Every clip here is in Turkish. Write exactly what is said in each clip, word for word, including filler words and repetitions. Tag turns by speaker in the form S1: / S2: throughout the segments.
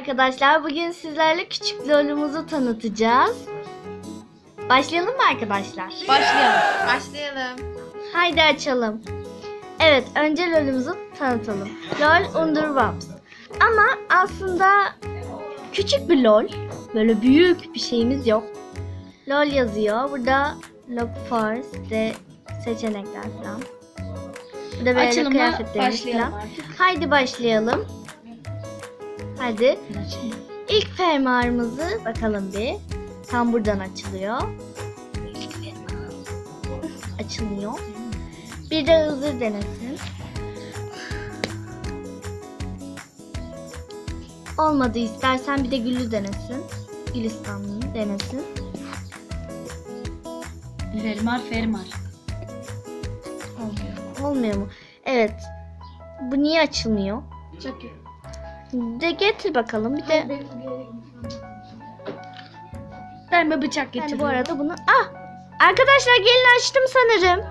S1: Arkadaşlar bugün sizlerle küçük lolumuzu tanıtacağız. Başlayalım mı arkadaşlar?
S2: Başlayalım. Başlayalım.
S1: Haydi açalım. Evet, önce lolumuzu tanıtalım. Lol Underwaps. Ama aslında küçük bir lol. Böyle büyük bir şeyimiz yok. Lol yazıyor. Burada Look for de seçenekler falan. Burada böyle
S2: Açılımla
S1: kıyafetlerimiz
S2: başlayalım
S1: falan.
S2: artık.
S1: Haydi başlayalım. Hadi. İlk fermuarımızı bakalım bir. Tam buradan açılıyor. Açılmıyor. Bir de hızır denesin. Olmadı istersen bir de güllü denesin. Gülistanlı denesin.
S2: Fermar fermar.
S1: Olmuyor mu? Evet. Bu niye açılmıyor?
S2: Çok iyi.
S1: De getir bakalım. Bir de
S2: Ben bir bıçak
S1: yani
S2: getirdim.
S1: bu arada bunu... Ah! Arkadaşlar gelin açtım sanırım.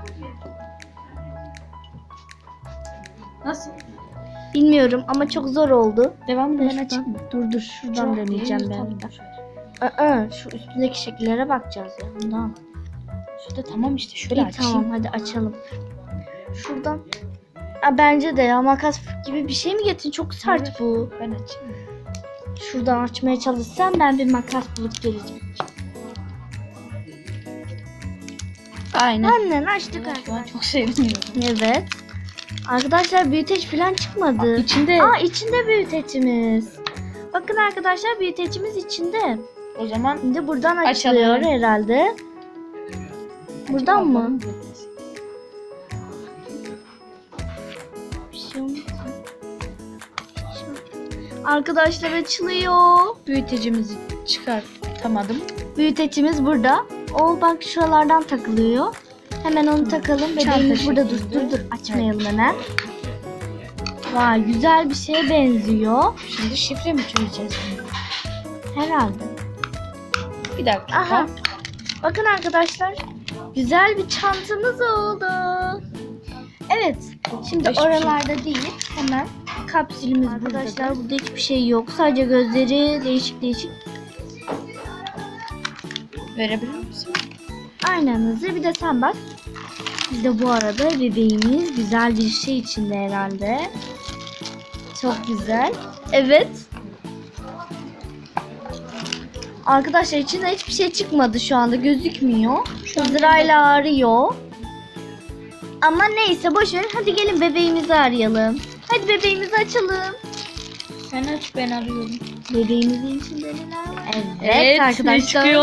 S2: Nasıl?
S1: Bilmiyorum ama çok zor oldu.
S2: Devamını
S1: Ben
S2: ben
S1: açayım
S2: açayım.
S1: mı? Dur dur şuradan
S2: Çok
S1: deneyeceğim
S2: iyi,
S1: ben.
S2: tamam.
S1: bir de. Aa, şu üstündeki şekillere bakacağız ya. Bundan.
S2: Şurada tamam işte şöyle
S1: İyi
S2: açayım.
S1: tamam hadi açalım. Şuradan. Aa, bence de ya makas gibi bir şey mi getirin? Çok sert
S2: Evet.
S1: bu.
S2: Ben açayım.
S1: Şuradan açmaya çalışsam ben bir makas bulup geleceğim.
S2: Aynen.
S1: Annen açtık
S2: Şu an
S1: arkadaşlar.
S2: çok seviniyorum.
S1: Evet. Arkadaşlar büyüteç falan çıkmadı.
S2: İçinde.
S1: Aa içinde büyütecimiz. Bakın arkadaşlar büyütecimiz içinde.
S2: O zaman
S1: Şimdi buradan açılıyor
S2: Açalım.
S1: herhalde. Buradan mı? Bir şey olmaz. Arkadaşlar açılıyor.
S2: Büyütecimizi çıkartamadım.
S1: Büyütecimiz burada. O bak şuralardan takılıyor. Hemen onu takalım. Bebeğimiz
S2: Çanta
S1: burada dur
S2: şeklinde.
S1: dur dur. Açmayalım hemen. Vay güzel bir şeye benziyor.
S2: Şimdi şifre mi çözeceğiz?
S1: Herhalde.
S2: Bir dakika.
S1: Aha. Bakın arkadaşlar. Güzel bir çantamız oldu. Evet. Şimdi
S2: Hiçbir
S1: oralarda değil. Hemen kapsülümüz arkadaşlar. Burada hiçbir şey yok. Sadece gözleri değişik değişik.
S2: Verebilir misin?
S1: Aynen hızlı. Bir de sen bak. Bir de bu arada bebeğimiz güzel bir şey içinde herhalde. Çok güzel. Evet. Arkadaşlar içinde hiçbir şey çıkmadı şu anda. Gözükmüyor. Hızırayla arıyor. Ama neyse boş verin. Hadi gelin bebeğimizi arayalım. Hadi bebeğimizi açalım.
S2: Sen aç ben arıyorum.
S1: Bebeğimizin içinde neler var? Evet,
S2: Evet,
S1: arkadaşlar.
S2: çıkıyor.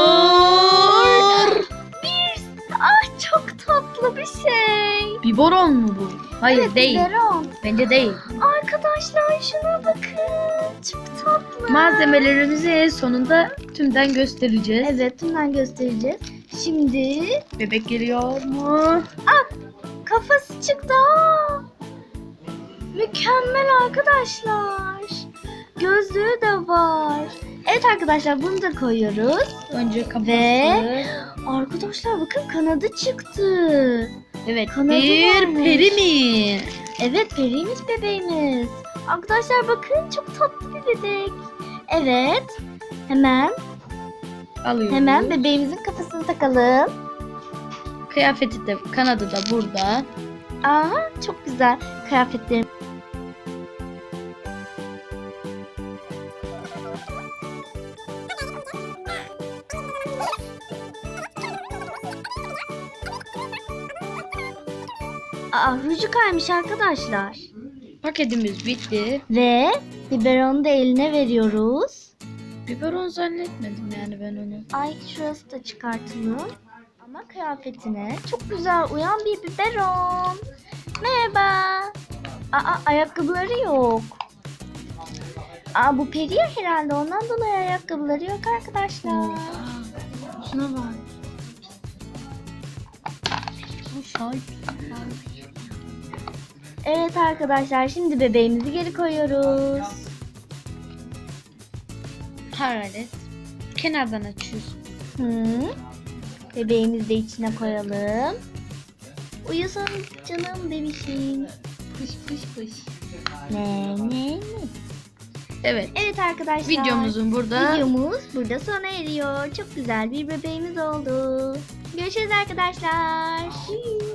S1: Bir, ah çok tatlı bir şey.
S2: Biberon mu bu? Hayır
S1: Evet,
S2: değil.
S1: biberon.
S2: Bence değil.
S1: Arkadaşlar şuna bakın. Çok tatlı.
S2: Malzemelerimizi en sonunda tümden göstereceğiz.
S1: Evet, tümden göstereceğiz. Şimdi
S2: Bebek geliyor mu?
S1: kafası çıktı. Aa! Mükemmel arkadaşlar. Gözlüğü de var. Evet arkadaşlar bunu da koyuyoruz.
S2: Önce kafası.
S1: Ve- Arkadaşlar bakın kanadı çıktı.
S2: Evet.
S1: kanadı
S2: Bir
S1: varmış.
S2: peri mi?
S1: Evet periymiş bebeğimiz. Arkadaşlar bakın çok tatlı bir bebek. Evet. Hemen
S2: Alıyoruz.
S1: hemen bebeğimizin kafasını takalım.
S2: Kıyafeti de kanadı da burada.
S1: Aha çok güzel kıyafetlerim. Aa ruju kaymış arkadaşlar.
S2: Paketimiz bitti.
S1: Ve biberonu da eline veriyoruz.
S2: Biberon zannetmedim yani ben onu.
S1: Ay şurası da çıkartılır. Ama kıyafetine çok güzel uyan bir biberon. Merhaba. Aa ayakkabıları yok. Aa bu peri ya herhalde ondan dolayı ayakkabıları yok arkadaşlar.
S2: Şuna bak. Bu şahit.
S1: Evet arkadaşlar şimdi bebeğimizi geri koyuyoruz.
S2: Hararet. Kenardan açıyorsun.
S1: Hı. Bebeğimizi de içine koyalım. Uyusun canım bebişim.
S2: Pış pış pış.
S1: Ne ne ne.
S2: Evet.
S1: Evet arkadaşlar.
S2: Videomuzun burada
S1: Videomuz burada sona eriyor. Çok güzel bir bebeğimiz oldu. Görüşürüz arkadaşlar.